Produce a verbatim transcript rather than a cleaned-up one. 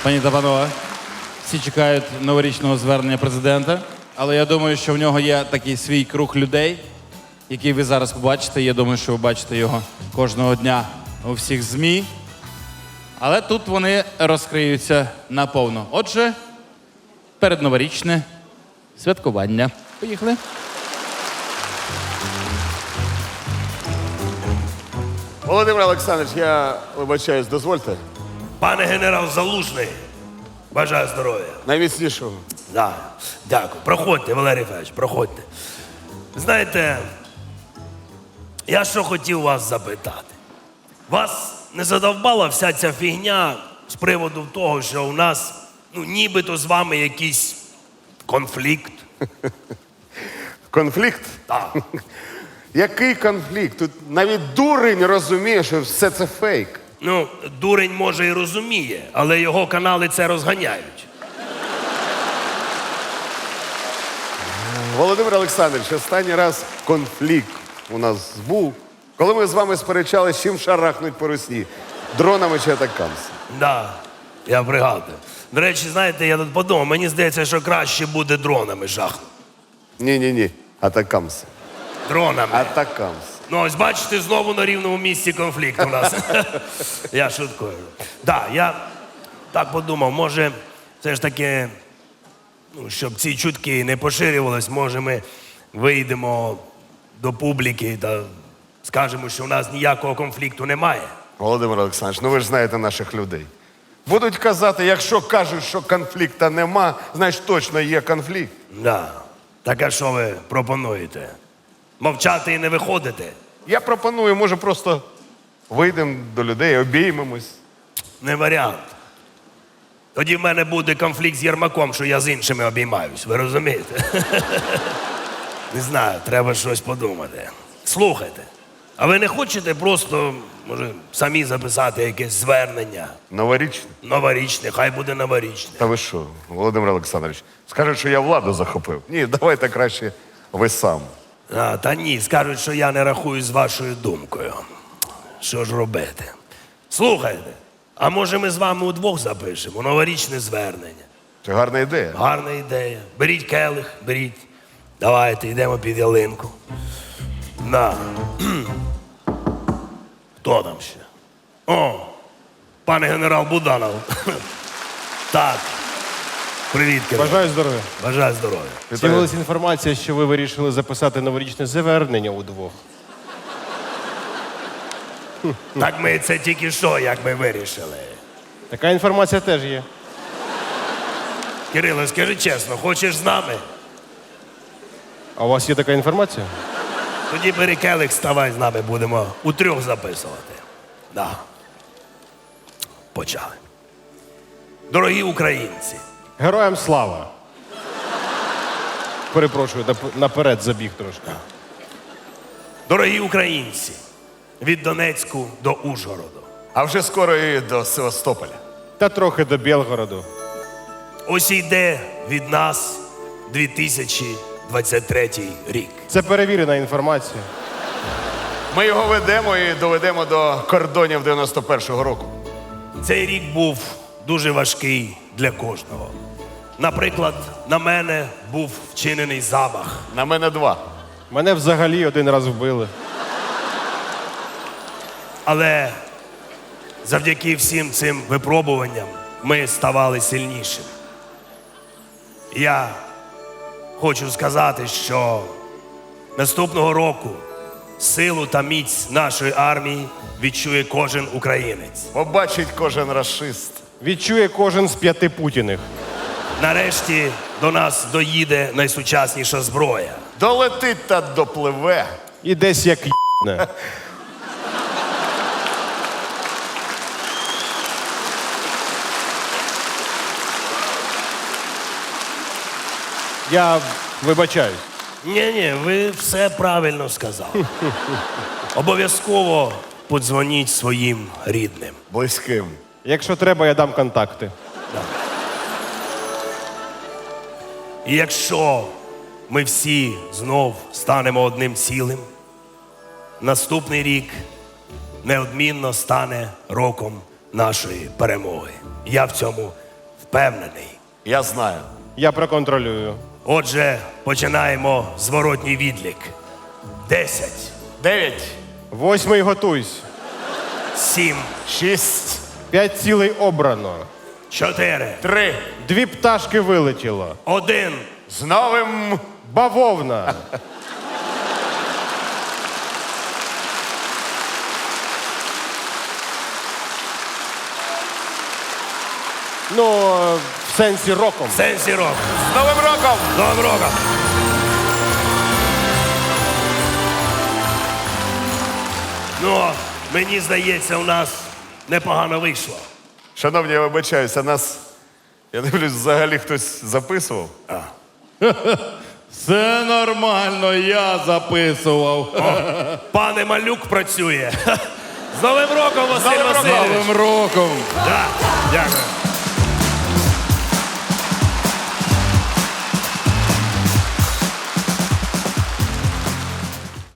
Пані та панове, всі чекають новорічного звернення президента, але я думаю, що в нього є такий свій круг людей, який ви зараз побачите. Я думаю, що ви бачите його кожного дня у всіх ЗМІ. Але тут вони розкриються наповно. Отже, передноворічне святкування. Поїхали. Володимир Олександрович, я вибачаюсь, дозвольте. Пане генерал Залужний, бажаю здоров'я. Найміцнішого. Да, дякую. Проходьте, Валерій Федорович, проходьте. Знаєте, я що хотів вас запитати. Вас не задовбала вся ця фігня з приводу того, що у нас, ну, нібито з вами якийсь конфлікт? Конфлікт? Так. Який конфлікт? Тут навіть дурень розуміє, що все це фейк. Ну, дурень може і розуміє, але його канали це розганяють. Володимир Олександрович, останній раз конфлікт у нас був, коли ми з вами сперечалися, чим шарахнуть по русні. Дронами чи атакамс. Да, я пригадую. До речі, знаєте, я тут подумав, мені здається, що краще буде дронами жахнути. Ні-ні-ні, атакамс. Дронами. Атакамс. Ну, ось бачите, знову на рівному місці конфлікт у нас. Я шуткую. Так, я так подумав, може, все ж таки, ну, щоб ці чутки не поширювались, може ми вийдемо до публіки та скажемо, що у нас ніякого конфлікту немає. Володимир Олександрович, ну ви ж знаєте наших людей. Будуть казати, якщо кажуть, що конфлікту нема, значить точно є конфлікт. Да. Так а що ви пропонуєте? Мовчати і не виходити? Я пропоную, може, просто вийдемо до людей, обіймемось. Не варіант. Тоді в мене буде конфлікт з Єрмаком, що я з іншими обіймаюсь. Ви розумієте? Не знаю, треба щось подумати. Слухайте, а ви не хочете просто, може, самі записати якесь звернення? Новорічне? Новорічне, хай буде новорічне. Та ви що, Володимир Олександрович, скажуть, що я владу захопив. Ні, давайте краще ви сам. А, та ні, скажуть, що я не рахую з вашою думкою. Що ж робити? Слухайте, а може ми з вами удвох запишемо новорічне звернення? Це гарна ідея. Гарна ідея. Беріть келих, беріть. Давайте, йдемо під ялинку. На. Хто там ще? О, пане генерал Буданов. Так. Привіт, Кирило. Бажаю здоров'я. Бажаю здоров'я. З'явилася інформація, що ви вирішили записати новорічне звернення удвох. Так ми це тільки що, як ми вирішили. Така інформація теж є. Кирило, скажи чесно, хочеш з нами? А у вас є така інформація? Тоді бери келих, ставай з нами, будемо утрьох записувати. Да. Почали. Дорогі українці, Героям слава. Перепрошую, нап- наперед забіг трошки. дорогі українці, від Донецьку до Ужгороду. А вже скоро і до Севастополя. Та трохи до Білгороду. Ось йде від нас дві тисячі двадцять третій рік. Це перевірена інформація. Ми його ведемо і доведемо до кордонів дев'яносто першого року. Цей рік був дуже важкий для кожного. Наприклад, на мене був вчинений замах. На мене два. Мене взагалі один раз вбили. Але завдяки всім цим випробуванням ми ставали сильнішими. Я хочу сказати, що наступного року силу та міць нашої армії відчує кожен українець. Побачить кожен рашист. Відчує кожен з п'яти путіних. Нарешті до нас доїде найсучасніша зброя. Долетить та допливе. І десь як й**не. Я вибачаюсь. Ні-ні, ви все правильно сказали. Обов'язково подзвоніть своїм рідним. Близьким. Якщо треба, я дам контакти. І якщо ми всі знов станемо одним цілим, наступний рік неодмінно стане роком нашої перемоги. Я в цьому Впевнений. Я знаю. Я проконтролюю. Отже, починаємо зворотній відлік. Десять, Дев'ять, Восьмий готуйсь. сім, шість, П'ять цілей обрано. чотири, три. Дві пташки вилетіло. один. З новим. Бавовна. Ну, в сенсі роком. Сенсі рок. З Новим роком! З Новим роком. Ну, мені здається, у нас непогано вийшло. Шановні, я вибачаюся, нас, я дивлюсь, взагалі хтось записував. Все нормально, я записував. Пане Малюк працює. З Новим роком, Василь Новим роком! Васильович! Новим роком! Да, дякую.